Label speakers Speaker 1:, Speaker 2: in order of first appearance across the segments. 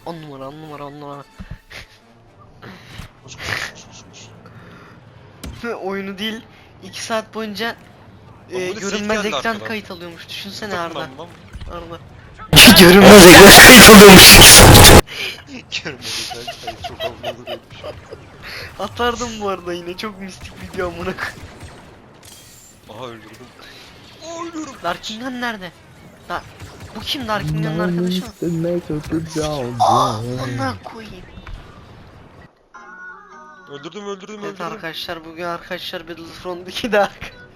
Speaker 1: 10 numara 10 numara 10 numara.
Speaker 2: Koş koş koş koş.
Speaker 1: Oyunu değil 2 saat boyunca
Speaker 2: böyle
Speaker 1: görünmez
Speaker 2: seyit geldi
Speaker 1: ekran
Speaker 2: arkadan.
Speaker 1: kayıt alıyormuş. Düşünsene
Speaker 2: Takım
Speaker 1: Arda.
Speaker 2: ben lan.
Speaker 1: Arda. Görünmez ekran kayıt alıyormuş.
Speaker 2: Görmedim ben kayıt çok havalı duruyormuş.
Speaker 1: Atardım bu arada yine çok mistik video amına koyayım.
Speaker 2: Aha öldürdüm. Aa ölüyorum.
Speaker 1: Darkingan nerede? Bu kim Darkingan'ın arkadaşı mı? Amına koyayım.
Speaker 2: Öldürdüm
Speaker 1: Evet
Speaker 2: öldürdüm.
Speaker 1: arkadaşlar bugün arkadaşlar Battlefront 2'de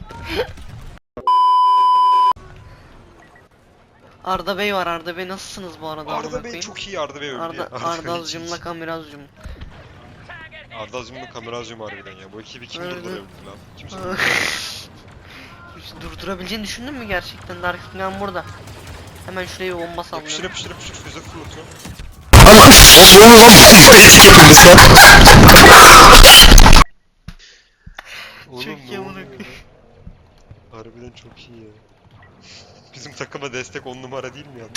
Speaker 1: Arda Bey var. Arda Bey nasılsınız bu arada?
Speaker 2: Arda Bey çok iyi, Arda Bey öldü ya.
Speaker 1: Arda Azcım'la Kamerazcım.
Speaker 2: Arda Azim'le kameracım harbiden ya. Bu ekibi kim
Speaker 1: Öyle.
Speaker 2: durdurabilir lan? Kimse
Speaker 1: Hiç durdurabileceğini düşündün mü gerçekten? Darkingan burada. Hemen şuraya bir bomba
Speaker 2: yapıştır
Speaker 1: sallıyorum.
Speaker 2: yapıştır yapıştır füze fırlatıyorum. Oğlum
Speaker 1: Çok
Speaker 2: ne
Speaker 1: iyi amına
Speaker 2: oluyor
Speaker 1: koyayım.
Speaker 2: ya? Harbiden çok iyi ya. Bizim takıma destek 10 numara değil mi ya?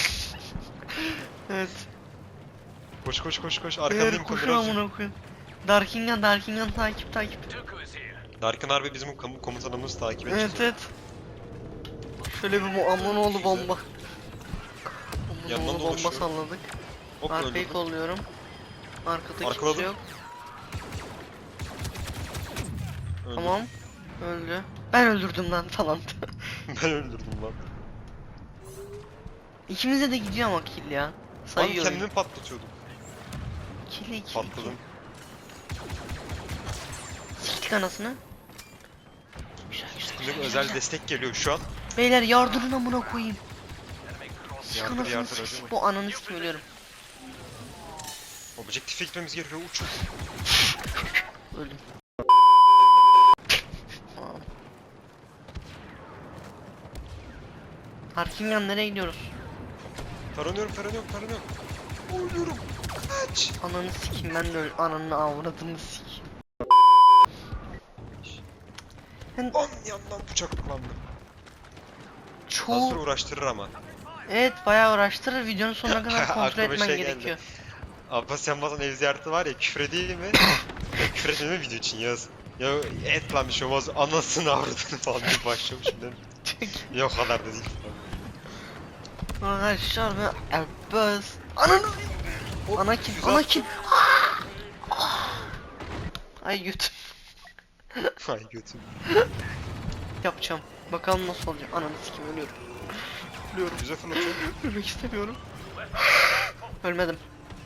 Speaker 1: Evet.
Speaker 2: Koş koş koş koş.
Speaker 1: Beyler
Speaker 2: Arkandayım
Speaker 1: koşun
Speaker 2: kameracım.
Speaker 1: amına koyayım. Darkingan takip.
Speaker 2: Darkin harbi bizim komutanımız takip edeceğiz.
Speaker 1: Evet. Şöyle bir aman oğlu bomba.
Speaker 2: Yandan
Speaker 1: Aman oğlu bomba
Speaker 2: dolaşıyor.
Speaker 1: salladık.
Speaker 2: Hop
Speaker 1: Arkayı
Speaker 2: öldürdüm.
Speaker 1: kolluyorum. Arkada
Speaker 2: Arkaladım.
Speaker 1: kimse yok.
Speaker 2: Öldürdüm.
Speaker 1: Tamam. Öldü. Ben öldürdüm lan falan.
Speaker 2: Ben öldürdüm lan.
Speaker 1: İkimize de gidiyor ama kill ya.
Speaker 2: Lan
Speaker 1: Sayıyorum.
Speaker 2: kendimi patlatıyordum.
Speaker 1: Kill.
Speaker 2: Patladım.
Speaker 1: Siktik anasını. Güzel.
Speaker 2: Bizim özel destek geliyor şu an.
Speaker 1: Beyler yardırın amına koyayım. Sik
Speaker 2: Yardır,
Speaker 1: anasını
Speaker 2: yardır,
Speaker 1: sik.
Speaker 2: hadi.
Speaker 1: Bu ananı sikim ölüyorum.
Speaker 2: Objektife gitmemiz gerekiyor. Uçun.
Speaker 1: Öldüm. Harkingan nereye gidiyoruz?
Speaker 2: Taranıyorum. Ölüyorum. Kaç.
Speaker 1: Ananı sikeyim ben de ananı avradını sikeyim.
Speaker 2: Lan yandan bıçaklandım.
Speaker 1: Çoğu...
Speaker 2: Fazla uğraştırır ama.
Speaker 1: Evet bayağı uğraştırır videonun sonuna kadar kontrol
Speaker 2: Aklıma
Speaker 1: etmen
Speaker 2: şey geldi.
Speaker 1: gerekiyor.
Speaker 2: Abbas Yanmaz'ın ev ziyareti var ya, küfür edeyim mi? Ya, küfür etmem mi video için yaz? Ya et lan bir şey olmaz, anasını avradını falan diye başlamışım değil mi? Yok o kadar da değil.
Speaker 1: Arkadaşlar ben Abbas. Ananı Anakin. Ay götüm.
Speaker 2: Ay götüm.
Speaker 1: Yapacağım. Bakalım nasıl olacak. Ananı sikeyim ölüyorum.
Speaker 2: Güzel fırlatıyorum.
Speaker 1: Ölmek istemiyorum. Ölmedim.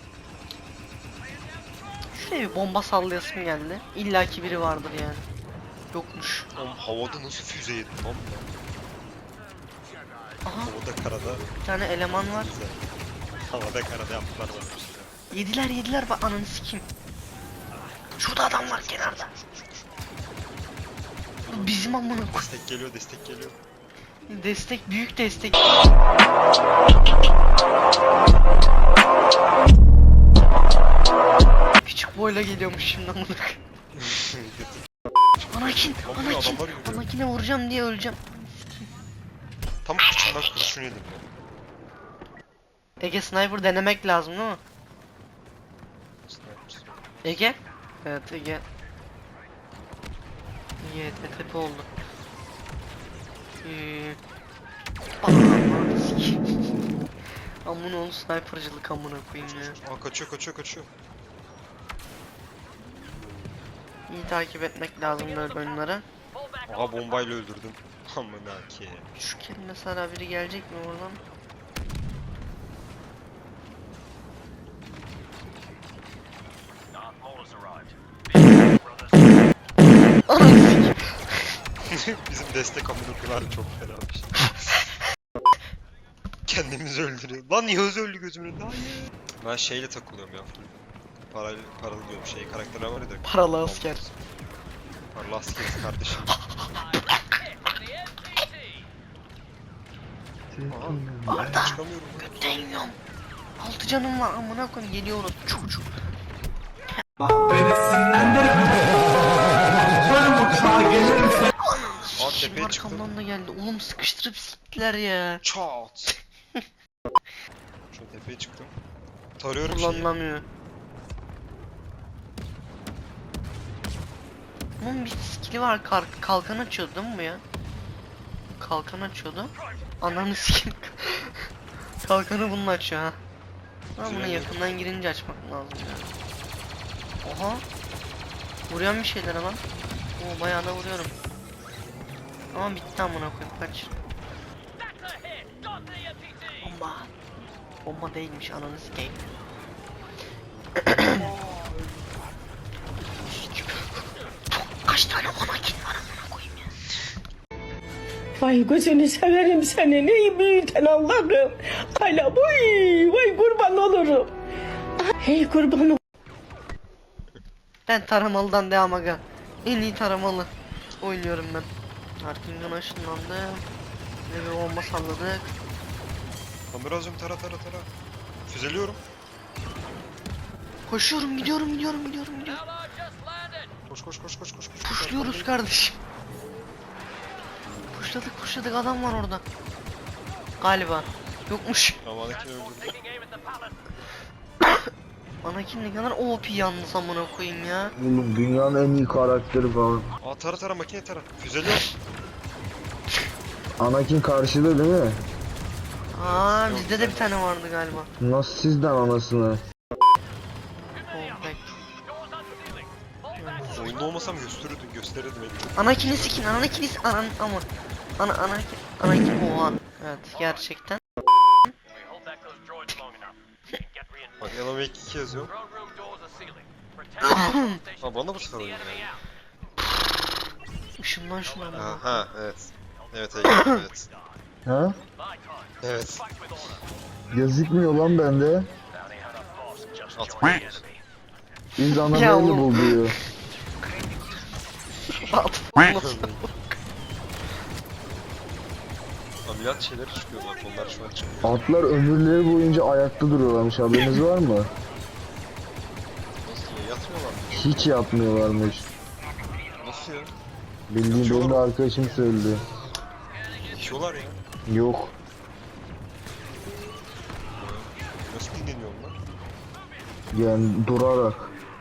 Speaker 1: Şuraya bir bomba sallayasım geldi. İlla ki biri vardır yani. Yokmuş.
Speaker 2: Oğlum havada nasıl füze yedim lan?
Speaker 1: Aha
Speaker 2: Havada karada.
Speaker 1: bir tane eleman var.
Speaker 2: Güzel. Havada karada yaptılar bana bir şeyler.
Speaker 1: Yediler bak ananı sikeyim. Şurada adam var kenarda. Bu bizim amına koy.
Speaker 2: Destek geliyor.
Speaker 1: Destek büyük destek. Küçük boyla geliyormuş şimdi amına koy. Anakin'e vuracağım diye öleceğim.
Speaker 2: Tam kıçından kurşun yedim ya.
Speaker 1: Ege sniper denemek lazım değil mi?
Speaker 2: Sniper.
Speaker 1: Ege? Evet Ege. Ege tepe oldu. Ananı sikeyim. Amına oğlum snipercılık amına koyayım ya.
Speaker 2: Aa kaçıyor.
Speaker 1: İyi takip etmek lazım böyle oyunlara.
Speaker 2: Aha bombayla öldürdüm. Amına ki.
Speaker 1: Şu kere mesela biri gelecek mi oradan? Ananı sikeyim.
Speaker 2: Bizim destek amına çok fenaymış. Kendimizi öldürüyor. Lan Yağız öldü gözümün önünde. Hayır. Ben şeyle takılıyorum ya. Paralı diyorum karakterler var ya da.
Speaker 1: Paralı asker.
Speaker 2: Paralı askeriz kardeşim.
Speaker 1: Arda.
Speaker 2: Çıkamıyorum.
Speaker 1: Götten yiyorum. 6 canım var amına koyayım geliyoruz çocuk.
Speaker 2: Aa tepeye çıktım.
Speaker 1: Arkamdan da geldi. Oğlum sıkıştırıp siktiler ya.
Speaker 2: Çat. Şu tepeye çıktım. Tarıyorum şeyi.
Speaker 1: Kullanılamıyor. Bunun bir skill'i var, kalkan açıyordu değil mi bu ya? Kalkan açıyordu. Ananı sikim. Kalkanı bununla açıyor ha. Ama bunu
Speaker 2: Güzel.
Speaker 1: yakından girince açmak lazım ya. Oha. Vuruyorum bir şeylere lan. Oo bayağı da vuruyorum. Ama bitti amına koyayım, kaç. Bomba. Bomba değilmiş, ananı sikeyim. Kaç tane anakin var amına koyayım ya.
Speaker 3: Vay gözünü severim senin ey büyüten Allah'ım. Hala vay kurban olurum. Hey kurban olurum.
Speaker 1: Ben taramalıdan devam aga. En iyi taramalı oynuyorum ben. Arkingan ışınlandı. Ve bir bomba salladık.
Speaker 2: Kameracım tara. Füzeliyorum.
Speaker 1: Koşuyorum, gidiyorum.
Speaker 2: Koş.
Speaker 1: Puşluyoruz kardeşim. Puşladık, adam var orada. Galiba. Yokmuş.
Speaker 2: Tamam Anakin öldürdüm.
Speaker 1: Anakin ne kadar OP yalnız amına koyayım ya.
Speaker 4: Oğlum dünyanın en iyi karakteri falan.
Speaker 2: Aa tara makine tara. Füzeliyorum.
Speaker 4: Anakin karşıda değil mi?
Speaker 1: Aa bizde de bir tane vardı galiba.
Speaker 4: Nasıl sizden anasını?
Speaker 1: Oh,
Speaker 2: Oyunda olmasam gösterirdim elini.
Speaker 1: Anakin'i sikin, Anakin'i ama Anakin oha. Evet gerçekten.
Speaker 2: Bak Elame 2 yazıyor. Ha bana bu sefer oynuyor yani.
Speaker 1: Işınlan şuna ama.
Speaker 2: Ha evet. Evet.
Speaker 4: Ha?
Speaker 2: Evet.
Speaker 4: Gözükmüyor lan bende.
Speaker 2: Atmayın.
Speaker 4: Biz ana
Speaker 1: Ya
Speaker 4: böyle
Speaker 1: oğlum.
Speaker 4: buluyor.
Speaker 2: Ameliyat şeyleri çıkıyor bak onlar şu an çıkmıyor.
Speaker 4: Atlar ömürleri boyunca ayakta duruyorlarmış, haberiniz var mı?
Speaker 2: Nasıl ya? Yatmıyorlar mı?
Speaker 4: Hiç yapmıyorlarmış.
Speaker 2: Nasıl ya?
Speaker 4: Bildiğim benim de arkadaşım söyledi.
Speaker 2: Yatıyorlar ya.
Speaker 4: Yok.
Speaker 2: Nasıl dinleniyor onlar?
Speaker 4: Yani durarak.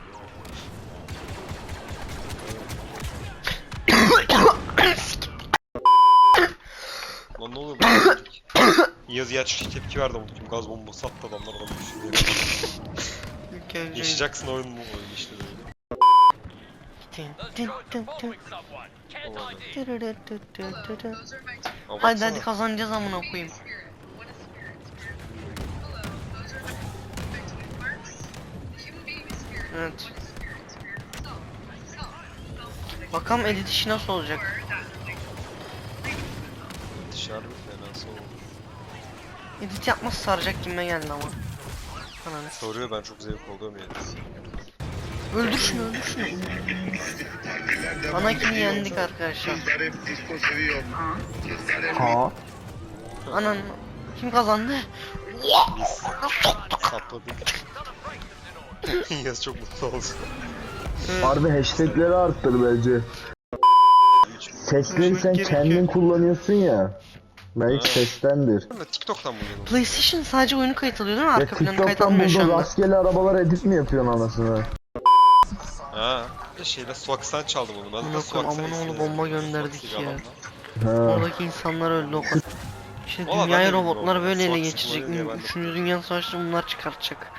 Speaker 2: Lan ne oluyor bu? Yaz gerçek tepki verdi ama kim gaz bombası attı adamlar adam düşüyor. Yaşayacaksın oyun işte böyle. Ama
Speaker 1: Hadi
Speaker 2: baksana.
Speaker 1: kazanacağız amına koyayım. Evet. Bakalım edit işi nasıl olacak.
Speaker 2: Dışarı fenası oldu.
Speaker 1: Edit yapması saracak gibime geldi ama. Ananı.
Speaker 2: Soruyor ben çok zevk alıyorum yani.
Speaker 1: Öldür şunu. Anakin'i yendik arkadaşlar.
Speaker 4: Ha?
Speaker 1: Anan. Kim kazandı?
Speaker 2: Biz sapladık. Yaz çok mutlu oldu.
Speaker 4: Harbi hashtagleri arttır bence.
Speaker 2: 3
Speaker 4: Sesleri sen kendin kullanıyorsun ya. Belki
Speaker 2: Ha.
Speaker 4: seslendir.
Speaker 2: TikTok'tan mı geliyor?
Speaker 1: PlayStation sadece oyunu kayıt alıyor değil mi?
Speaker 4: Ya
Speaker 1: Arka planı kayıt
Speaker 4: TikTok'tan
Speaker 1: almıyor şu
Speaker 4: burada
Speaker 1: anda.
Speaker 4: rastgele arabalar edit mi yapıyorsun anasını?
Speaker 2: Ha. Şeyle Swax'tan çaldım onu. Ben de
Speaker 1: Amına
Speaker 2: Swax'tan
Speaker 1: koyayım, amına
Speaker 2: istedim.
Speaker 1: oğlu bomba gönderdik
Speaker 2: Swax'ı
Speaker 1: ya.
Speaker 2: adamla.
Speaker 4: Ha.
Speaker 1: Oradaki insanlar öldü o kadar. İşte
Speaker 2: Valla ben
Speaker 1: dünyayı
Speaker 2: de
Speaker 1: robotlar
Speaker 2: bilmiyorum.
Speaker 1: böyle ele
Speaker 2: Swat
Speaker 1: geçirecek.
Speaker 2: sıkmayı diye ben de-
Speaker 1: 3. Dünya Savaşı'nda bunlar çıkartacak.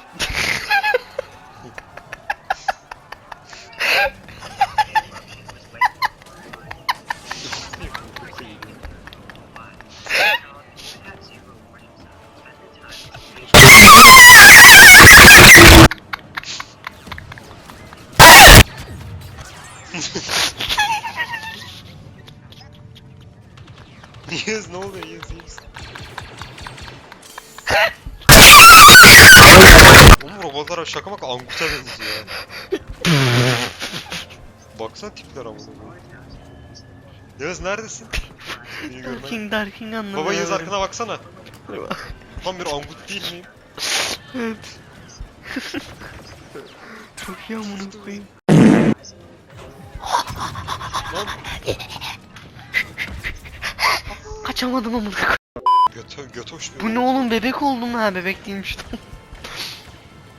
Speaker 2: Yaz ne oluyor Yaz? Oğlum robotlar şaka bak Angut'a benziyor ya. Baksana tipler ama. Yaz neredesin? Beni görmen.
Speaker 1: Darking anlamıyorum.
Speaker 2: Baba Yaz arkana baksana. Tam bir Angut değil miyim?
Speaker 1: Evet. Çok iyi amına koyayım.
Speaker 2: Lan
Speaker 1: Kaçamadım amına koyayım.
Speaker 2: göt hoş bir
Speaker 1: Bu ne oğlum, bebek oldum ha, bebek değilmiş.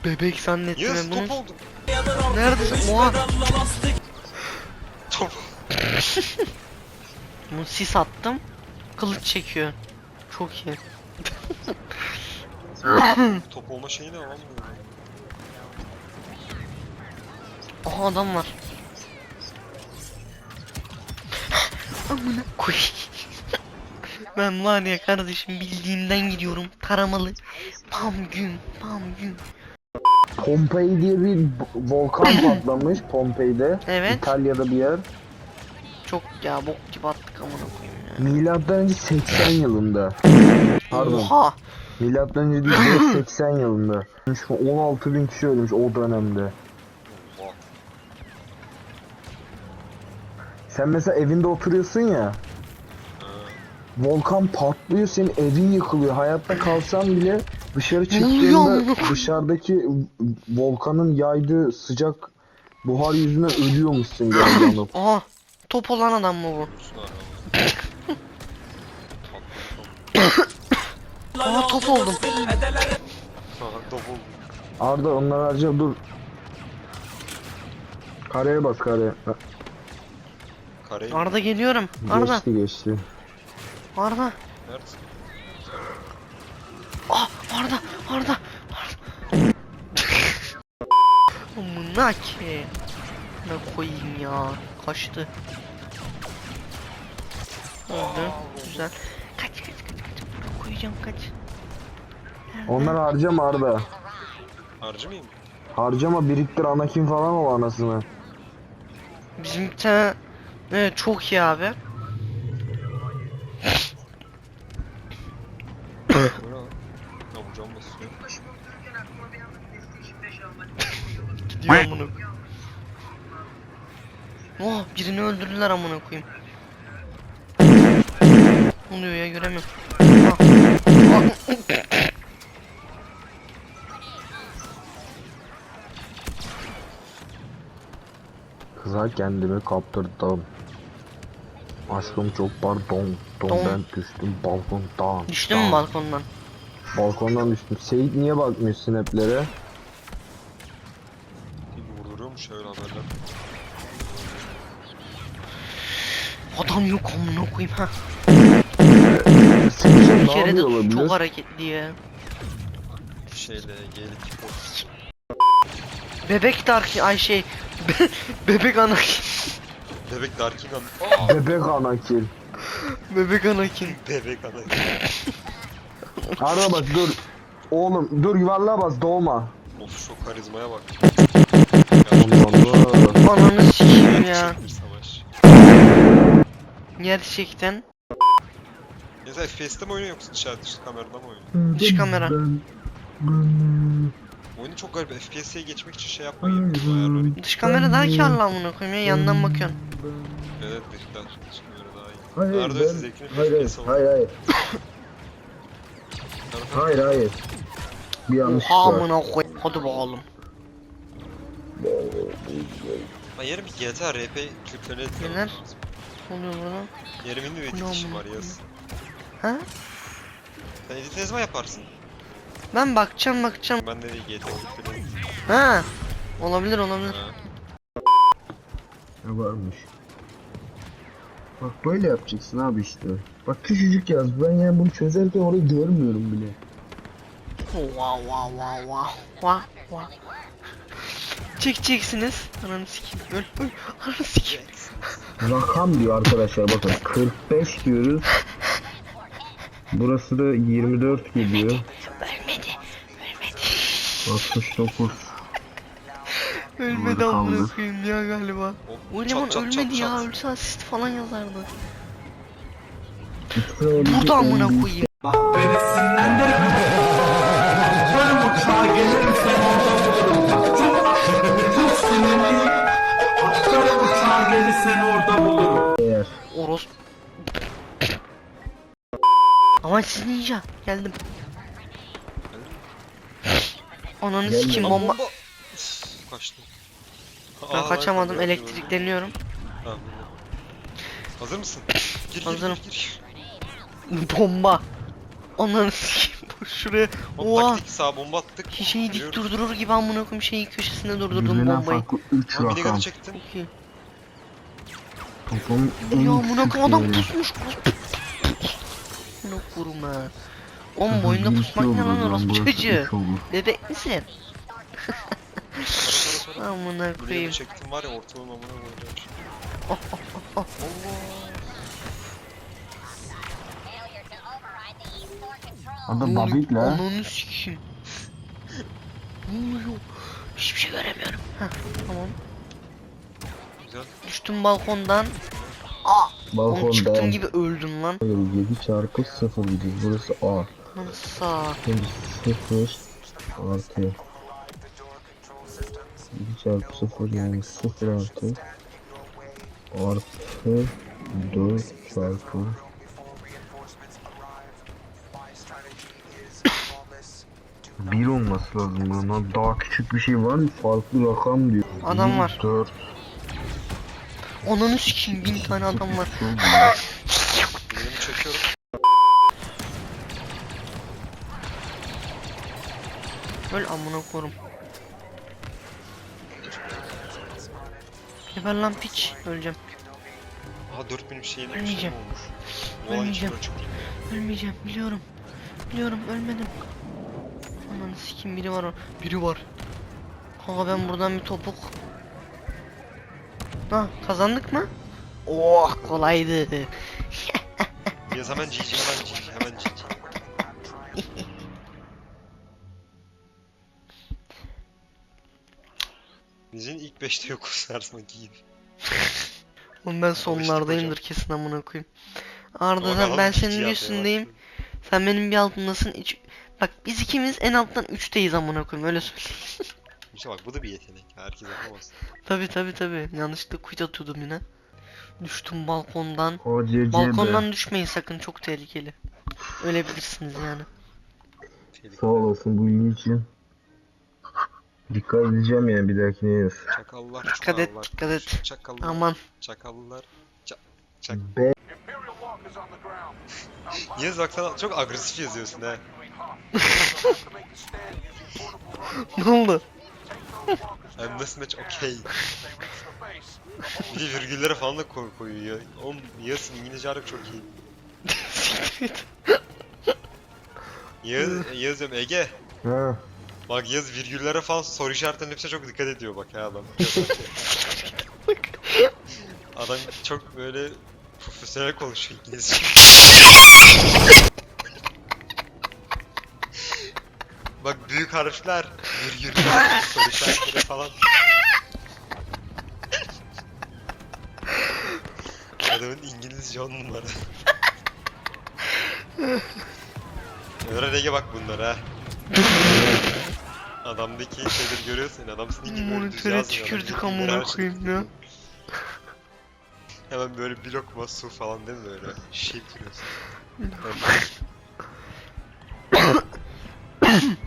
Speaker 1: Bebek zannettim
Speaker 2: Yağız
Speaker 1: ben bunu.
Speaker 2: top oldum.
Speaker 1: Neredesin? Oha.
Speaker 2: Top.
Speaker 1: Bunu sis attım. Kılıç çekiyor. Çok iyi.
Speaker 2: Top olma şeyi ne lan bu?
Speaker 1: Aha adam var. Amına koy. Ben var ya kardeşim bildiğimden gidiyorum. Taramalı. Pam gün, pam gün.
Speaker 4: Pompei diye bir volkan patlamış Pompei'de.
Speaker 1: Evet.
Speaker 4: İtalya'da bir yer.
Speaker 1: Çok ya bok gibi attık amına koyayım ya.
Speaker 4: Milattan önce 80 yılında. Pardon.
Speaker 1: Oha.
Speaker 4: Milattan önce değil 80 yılında. 16.000 kişi ölmüş o dönemde.
Speaker 2: Oha.
Speaker 4: Sen mesela evinde oturuyorsun ya. Volkan patlıyor, senin evin yıkılıyor. Hayatta kalsan bile dışarı
Speaker 1: oluyor
Speaker 4: çıktığında
Speaker 1: amına?
Speaker 4: dışarıdaki volkanın yaydığı sıcak buhar yüzünden ölüyormuşsun galiba.
Speaker 1: Aha. Top olan adam mı bu?
Speaker 2: Dursun abi.
Speaker 1: Aha top oldum.
Speaker 2: Top oldum.
Speaker 4: Arda onları harca dur. Kareye bas kareye.
Speaker 2: Kareyi.
Speaker 1: Arda geliyorum. Arda.
Speaker 4: Geçti.
Speaker 1: Arda.
Speaker 2: Neredesin?
Speaker 1: Ah Arda. Arda. Amına ki. Ne koyayım ya. Kaçtı. Öldü. Güzel. Kaç. Buraya koyacağım kaç.
Speaker 4: Onları harcama Arda.
Speaker 2: Harcamayayım mı?
Speaker 4: Harcama, biriktir, Anakin falan ol anasını.
Speaker 1: Bizim bir tane evet çok iyi abi.
Speaker 2: Bu ne lan? Ya bu cam basıyor.
Speaker 1: Gidiyor amına. Oh birini öldürdüler amına koyayım. Ne oluyor ya göremiyorum. Ah. Ah.
Speaker 4: Kıza kendimi kaptırdım. Aşkım çok pardon. Ben düştüm balkondan.
Speaker 1: Düştün mü balkondan?
Speaker 4: Balkondan düştüm. Seyit niye bakmıyor snaplere?
Speaker 2: Bir vurduruyormuş öyle haberler.
Speaker 1: Adam yok amına koyayım ha.
Speaker 4: Seyit
Speaker 1: Bir
Speaker 4: ne
Speaker 1: kere de
Speaker 4: yapıyor olabilir?
Speaker 1: çok hareketli ya.
Speaker 2: Şeyle gelik pop.
Speaker 1: Bebek Dark ay şey bebek Anakin.
Speaker 2: Bebek Darkin an.
Speaker 4: Bebek Anakin.
Speaker 1: Bebek Anakin.
Speaker 2: Bebek ana.
Speaker 4: Arda bak dur. Oğlum dur, yuvarlığa bas, doğma.
Speaker 2: Of şu karizmaya bak.
Speaker 4: Allah.
Speaker 1: Ananı sikeyim ya.
Speaker 2: Çektir savaş.
Speaker 1: Gerçekten
Speaker 2: Ya sen FPS'te mi oynuyor yoksa dışarı kamerada mı oynuyor?
Speaker 1: dış kamera.
Speaker 2: Oyunu çok garip. FPS'e geçmek için şey yapman gerekiyor ayarları.
Speaker 1: Dış kamera daha karlı amına koyayım ya yandan bakıyorsun.
Speaker 2: Evet dıştan. Dış kamera daha iyi.
Speaker 4: Hayır,
Speaker 2: Nerede
Speaker 4: ben-
Speaker 2: siz zevkini
Speaker 4: Hayır
Speaker 2: FPS
Speaker 4: hayır. Hayır. Bir yanlış
Speaker 1: Oha
Speaker 4: var.
Speaker 1: amına koy. Hadi bakalım.
Speaker 2: Ben yarın bir GTA RP Türklerine
Speaker 1: Neler? Ne oluyor burada?
Speaker 2: Yarın benim de bir
Speaker 1: Bu ne
Speaker 2: edit işim
Speaker 1: amına
Speaker 2: var yaz.
Speaker 1: Ha?
Speaker 2: Sen edit ne zaman yaparsın?
Speaker 1: Ben bakacağım.
Speaker 2: Ben de değil GTA Türklerine.
Speaker 1: Ha? Olabilir.
Speaker 2: Ha.
Speaker 4: Ne varmış? Bak böyle yapacaksın abi işte. Bak küçücük yaz. Ben yani bunu çözerken orayı görmüyorum bile.
Speaker 1: Wow. Çekeceksiniz. Ananı sikeyim. Öl. Ananı sikeyim.
Speaker 4: Rakam diyor arkadaşlar, bakın 45 diyoruz. Burası da 24 geliyor.
Speaker 1: Ölmedi.
Speaker 4: 69.
Speaker 1: Ölmedi
Speaker 4: Kaldı.
Speaker 1: amına koyayım ya galiba. O eleman
Speaker 2: çat,
Speaker 1: ölmedi ya.
Speaker 2: çat.
Speaker 1: Ölse asist falan yazardı.
Speaker 4: Burada
Speaker 1: Burada amına koyayım.
Speaker 5: Beni sinirlendirme. Atlarım uçağa gelirsen orada bulurum. Çok sinirliyim. Atlarım uçağa gelirsen orada bulurum.
Speaker 4: eğer.
Speaker 1: Oros. Ama siz ninja. Geldim. Ananı
Speaker 4: Gelme.
Speaker 1: sikeyim bomba.
Speaker 2: Üf, kaçtım.
Speaker 1: Ben kaçamadım.
Speaker 2: ben
Speaker 1: Elektrikleniyorum.
Speaker 2: Tamam. Hazır mısın? Gir
Speaker 1: Hazırım.
Speaker 2: gir.
Speaker 1: Bomba. Ananı sikeyim boş. şuraya.
Speaker 2: Oğlum
Speaker 1: Oha.
Speaker 2: taktik sağa bomba attık.
Speaker 1: Şeyi dik
Speaker 2: Yürüyoruz.
Speaker 1: durdurur gibi amına koyayım şeyin köşesinde durdurdum
Speaker 4: Birbirinden
Speaker 1: bombayı.
Speaker 4: farklı 3
Speaker 2: Lan minigun'u
Speaker 4: rakam.
Speaker 2: çektim.
Speaker 1: Çok iyi.
Speaker 4: Toplamın en
Speaker 1: Ya amına
Speaker 4: küçük
Speaker 1: koyayım adam
Speaker 4: değeri.
Speaker 1: pusmuş. Amına koyayım ha. Oğlum boyunda
Speaker 4: Bir
Speaker 1: pusmak ne
Speaker 4: olur
Speaker 1: lan orası
Speaker 4: burası
Speaker 1: çocuğu?
Speaker 4: 3 olur.
Speaker 1: Bebek misin?
Speaker 2: Sonra.
Speaker 1: Amına
Speaker 2: Minigun'u
Speaker 1: koyayım.
Speaker 2: çektim var ya ortalığın amına koyacağım.
Speaker 1: Oh.
Speaker 4: Adam babik la.
Speaker 1: Ananı sikeyim. Ne oluyor? Hiçbir şey göremiyorum. Heh, tamam.
Speaker 2: Güzel.
Speaker 1: Düştüm balkondan. Oğlum çıktığım
Speaker 4: Balkonda.
Speaker 1: gibi öldüm lan.
Speaker 4: 7 çarpı 0 gidiyor. Burası A.
Speaker 1: Nasıl?
Speaker 4: Şimdi 0 artı 7 çarpı 0 yani 0 artı 4 çarpı 1 olması lazım buna. Daha küçük bir şey var mı? Farklı rakam diyor.
Speaker 1: Adam var.
Speaker 4: 4
Speaker 1: Ananı sikeyim 1000 tane adam var.
Speaker 2: Minigun'u çekiyorum.
Speaker 1: Öl amına korum. Geber lan piç. Öleceğim.
Speaker 2: Aha 4000 bir şeyin
Speaker 1: Ölmeyeceğim.
Speaker 2: olmuş. Bu olay hiç
Speaker 1: Ölmeyeceğim.
Speaker 2: böyle çok iyi.
Speaker 1: Ölmeyeceğim biliyorum. Biliyorum ölmedim. Ananı sikeyim biri var o. Biri var. Kanka ben buradan bir topuk. Ha kazandık mı? Oh kolaydı.
Speaker 2: Yaz hemen GG hemen GG hemen GG. Bizim ilk 5'te yokuz her zamanki gibi.
Speaker 1: Oğlum ben sonlardayımdır kesin amına koyayım. Arda sen ben senin üstündeyim. Sen benim bir altındasın. Bak biz ikimiz en alttan 3'teyiz amına koyayım öyle söyleyeyim.
Speaker 2: İşte bak bu da bir yetenek. Herkes yapamaz.
Speaker 1: Tabi. Yanlışlıkla quit atıyordum yine. Düştüm balkondan.
Speaker 4: OCC
Speaker 1: Balkondan düşmeyin sakın çok tehlikeli. Ölebilirsiniz yani.
Speaker 4: Sağ olasın bu iyi için. Dikkat edeceğim yani bir dahakine yaz.
Speaker 2: Çakallar,
Speaker 1: Dikkat et,
Speaker 2: çukallar,
Speaker 1: dikkat et.
Speaker 2: Çakallar,
Speaker 1: Aman.
Speaker 2: çakallar,
Speaker 4: B
Speaker 2: Yaz bak sen çok agresif yazıyorsun ha.
Speaker 1: Ne oldu?
Speaker 2: I'm this much okay. Bir de virgüllere falan da koyuyor. Oğlum Yaz'ın İngilizce harbi çok iyi. Yaz diyorum Ege.
Speaker 4: Ha.
Speaker 2: Bak Yaz virgüllere falan soru işaretlerinin hepsine çok dikkat ediyor bak ya adam. Adam çok böyle profesyonel konuşuyor İngilizce. Bak büyük harfler, virgüller, soru işaretleri falan. Adamın İngilizce 10 numara. Öğren Ege bak bunlara ha. Adamdaki şeyleri görüyorsun, adam senin gibi böyle düz
Speaker 1: Monitöre
Speaker 2: yazmıyor.
Speaker 1: tükürdük
Speaker 2: Adam
Speaker 1: amına
Speaker 2: her şey-
Speaker 1: koyayım ya.
Speaker 2: Hemen böyle bir lokma su falan değil mi böyle? Şişe bitiriyorsun.